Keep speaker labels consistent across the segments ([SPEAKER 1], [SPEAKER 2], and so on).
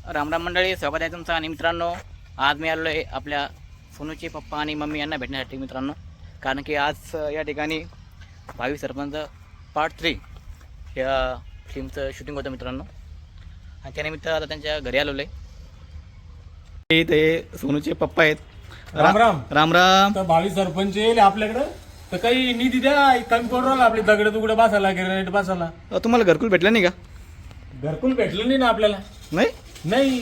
[SPEAKER 1] रामराम मंडळी, स्वागत आहे तुमचं. आणि मित्रांनो, आज मी आलो आहे आपल्या सोनूचे पप्पा आणि मम्मी यांना भेटण्यासाठी मित्रांनो. कारण की आज या ठिकाणी भावी सरपंच पार्ट 3 या फिल्मचं शूटिंग होतं मित्रांनो. आणि त्यानिमित्त आता त्यांच्या घरी आलेलो आहे. ते सोनूचे पप्पा आहेत.
[SPEAKER 2] राम राम
[SPEAKER 1] राम राम.
[SPEAKER 2] तर भावी सरपंच येईल आपल्याकडं, तर काही निधी द्या. कमी पडून राहिला आपले दगड तुकडे बसायला, ग्रेनाईट बसायला.
[SPEAKER 1] तुम्हाला घरकुल भेटलं नाही का?
[SPEAKER 2] घरकुल भेटलं नाही ना आपल्याला.
[SPEAKER 1] नाही
[SPEAKER 2] नाही,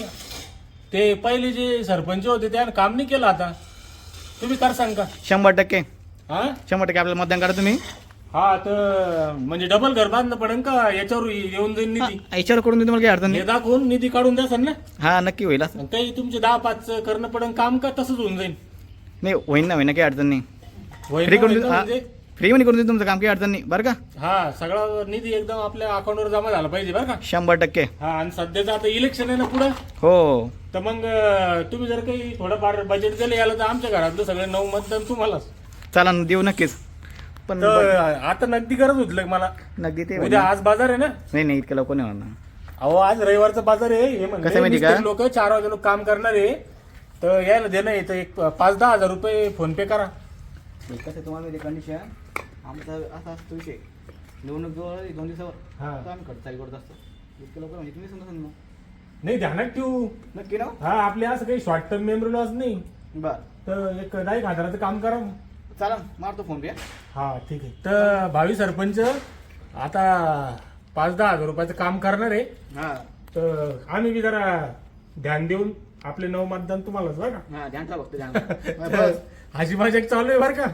[SPEAKER 2] ते पहिले जे सरपंच होते त्यानं काम नाही केलं. आता तुम्ही कर सांग का?
[SPEAKER 1] 100%
[SPEAKER 2] हा
[SPEAKER 1] 100% आपल्याला मतदान करा तुम्ही.
[SPEAKER 2] हा, तर म्हणजे डबल घर बांधणं पडेल का? याच्यावर येऊन जाईल निधी.
[SPEAKER 1] याच्यावर करून देऊ तुम्हाला काही अडचण
[SPEAKER 2] हे
[SPEAKER 1] नाही.
[SPEAKER 2] दाखवून निधी काढून द्या ना.
[SPEAKER 1] हा नक्की होईल असं.
[SPEAKER 2] आणि काही तुमचे 10-5 करणं पडेल काम का? तसंच होऊन जाईल.
[SPEAKER 1] नाही होईन ना, होईन ना, काही अडचण नाही.
[SPEAKER 2] होईल
[SPEAKER 1] फ्री
[SPEAKER 2] ना,
[SPEAKER 1] करून
[SPEAKER 2] होईल
[SPEAKER 1] देऊ.
[SPEAKER 2] ना
[SPEAKER 1] हा,
[SPEAKER 2] म्हणजे?
[SPEAKER 1] फ्री मध्ये करून देऊ तुमचं काम, काही अडचण नाही बरं का.
[SPEAKER 2] हा, सगळा निधी एकदम आपल्या अकाउंटवर जमा झाला पाहिजे बरं का.
[SPEAKER 1] 100%.
[SPEAKER 2] हा, आणि सध्याचं आता इलेक्शन आहे ना पुढं.
[SPEAKER 1] हो
[SPEAKER 2] तर मग तुम्ही जर काही थोडंफार बजेट दिलं याला, तर आमच्या घरातलं सगळं 9 मतदान तुम्हालाच.
[SPEAKER 1] चला ना, देऊ नक्कीच. पण
[SPEAKER 2] तर आता नगदी गरज होती मला.
[SPEAKER 1] नगदी ते
[SPEAKER 2] उद्या आज बाजार आहे ना.
[SPEAKER 1] नाही नाही, इतकं लवकर नाही होणार.
[SPEAKER 2] अहो, आज रविवारचा बाजार आहे. हे
[SPEAKER 1] कसं माहिती का?
[SPEAKER 2] लोक 4 वाजे लोक काम करणार आहे, तर यायला देणं आहे. तर एक 5-10 हजार रुपये फोन पे करा.
[SPEAKER 1] कसं तुम्हाला माहिती कंडिशन आमचा असा असतो विषय, निवडणूक जवळ 2 दिवसावर
[SPEAKER 2] हा.
[SPEAKER 1] तर आम्ही खर्च चालू करत असतो. इतकं लवकर म्हणजे तुम्ही समजा ना.
[SPEAKER 2] नाही, ध्यानात ठेवू.
[SPEAKER 1] नक्की ना.
[SPEAKER 2] हा, आपले असं काही शॉर्ट टर्म मेमरी लॉस नाही.
[SPEAKER 1] बरं
[SPEAKER 2] तर एक 10 हजाराचं काम करा.
[SPEAKER 1] चला, मारतो फोन पे.
[SPEAKER 2] हा, ठीक आहे. तर भावी सरपंच आता 5-10 हजार रुपयाचं काम करणार आहे.
[SPEAKER 1] हा
[SPEAKER 2] तर आम्ही बी जरा ध्यान देऊन आपले 9 मतदान तुम्हालाच बरं का.
[SPEAKER 1] हा, ध्यान ठेवा फक्त, ध्यान
[SPEAKER 2] तर हाजी मजाक चालू आहे बरं का.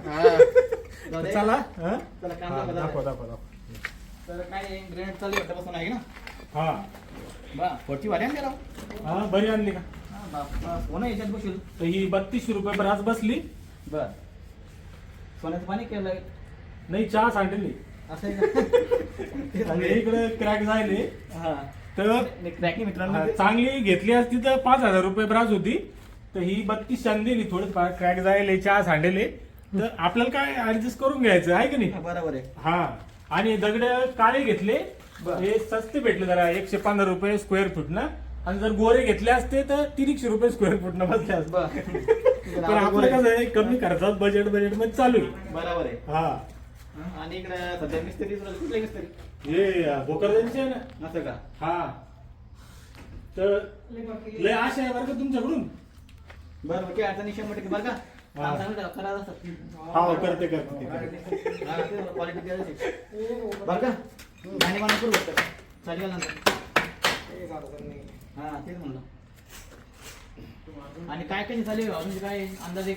[SPEAKER 1] जाऊ दे.
[SPEAKER 2] चला. हा?
[SPEAKER 1] चला, काम
[SPEAKER 2] हा,
[SPEAKER 1] दाखवा,
[SPEAKER 2] दाखव
[SPEAKER 1] दाखवा.
[SPEAKER 2] दाखव दाखव.
[SPEAKER 1] तर काय ग्रेनेड चालू आहे बसून आहे ना.
[SPEAKER 2] हा
[SPEAKER 1] बा पुढची वारी आणली राव.
[SPEAKER 2] हा, बरी आणली का?
[SPEAKER 1] हा बापा, कोण आहे याच्यात बसेल?
[SPEAKER 2] तर ही 3200 रुपये पर आज बसली.
[SPEAKER 1] बर, सोन्याचं पाणी केलंय
[SPEAKER 2] नाही, चहा सांडली.
[SPEAKER 1] असं आहे का?
[SPEAKER 2] आणि इकडे क्रॅक झाले.
[SPEAKER 1] हा,
[SPEAKER 2] तर
[SPEAKER 1] क्रॅकी मित्रांनो.
[SPEAKER 2] चांगली घेतली असती तर 5000 रुपये ब्राज होती. तर ही 3200 दिली. थोडं क्रॅक जायले, चहा सांडले. तर आपल्याला काय ऍडजस्ट करून घ्यायचं आहे की नाही.
[SPEAKER 1] बरोबर आहे.
[SPEAKER 2] हा, आणि दगड काळे घेतले.
[SPEAKER 1] बरं.
[SPEAKER 2] हे सस्ते भेटले जरा, 115 रुपये स्क्वेअर फूट ना. आणि जर गोरे घेतले असते तर 300 रुपये स्क्वेअर फूट न बसले असते.
[SPEAKER 1] बर
[SPEAKER 2] पण आपलं कसं आहे, कमी खर्चात बजेट मध्ये चालू आहे.
[SPEAKER 1] बरोबर आहे.
[SPEAKER 2] हा,
[SPEAKER 1] आणि इकडे सध्या मिस्त्री कुठले मिस्त्री
[SPEAKER 2] हे भोकरदनचे आहे ना.
[SPEAKER 1] असं का?
[SPEAKER 2] हा, तर लय आशा आहे बरं का तुमच्याकडून.
[SPEAKER 1] बरं, काही अडचणी 100% बरं का.
[SPEAKER 2] हा.
[SPEAKER 1] काम चांगलं करा असं.
[SPEAKER 2] हा, करते करते.
[SPEAKER 1] हा, ते क्वालिटी द्यायची बरं का. गाणी म्हणून करू शकतो चालेल नंतर. हा, तेच म्हणलं. आणि काय काय चालेल अजून काय अंदाजे?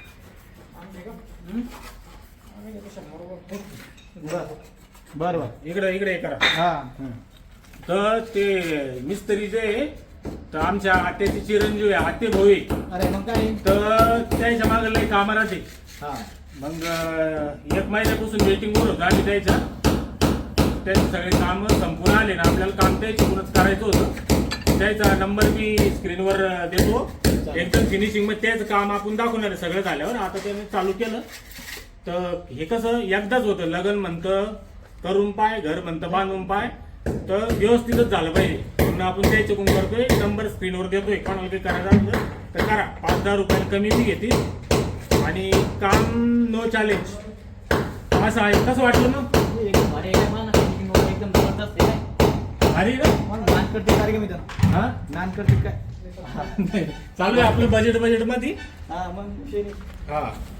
[SPEAKER 1] बरं बरं.
[SPEAKER 2] इकडे इकडे हे करा.
[SPEAKER 1] हा
[SPEAKER 2] तर ते मिस्त्री जे आहे, तर आमच्या आत्याची चिरंजीव आहे, आत्ते भाऊ आहे.
[SPEAKER 1] अरे मग काय.
[SPEAKER 2] तर त्याच्या मागे लय कामं राहते.
[SPEAKER 1] हा
[SPEAKER 2] मग 1 महिन्यापासून वेटिंगवर होतं आम्ही त्याच्या. त्याचे सगळे काम संपूर्ण आले ना, आपल्याला काम त्याच्याकडूनच करायचं होतं. त्याचा नंबर मी स्क्रीनवर देतो. एकदम फिनिशिंग मध्ये त्याचं काम आपण दाखवणार आहे सगळं झाल्यावर. आता त्याने चालू केलं. तर हे कसं एकदाच होतं. लग्न म्हणतं करून पाय, घर म्हणतं बांधून पाय. तर व्यवस्थितच झालं पाहिजे म्हणून आपण त्याच्याकडून करतोय. नंबर स्क्रीनवर देतोय. कोणाला काही करायचं असलं तर करा. 5-10 रुपये कमी मी घेतील आणि काम नो चॅलेंज असं आहे. कसं वाटलं ना?
[SPEAKER 1] एकदम जबरदस्त आहे.
[SPEAKER 2] अरे ना.
[SPEAKER 1] नान करते कार्यक्रम इथं.
[SPEAKER 2] हा,
[SPEAKER 1] नान करते काय?
[SPEAKER 2] चालू आहे आपलं बजेट मध्ये.
[SPEAKER 1] हा मग विषय नाही.
[SPEAKER 2] हा,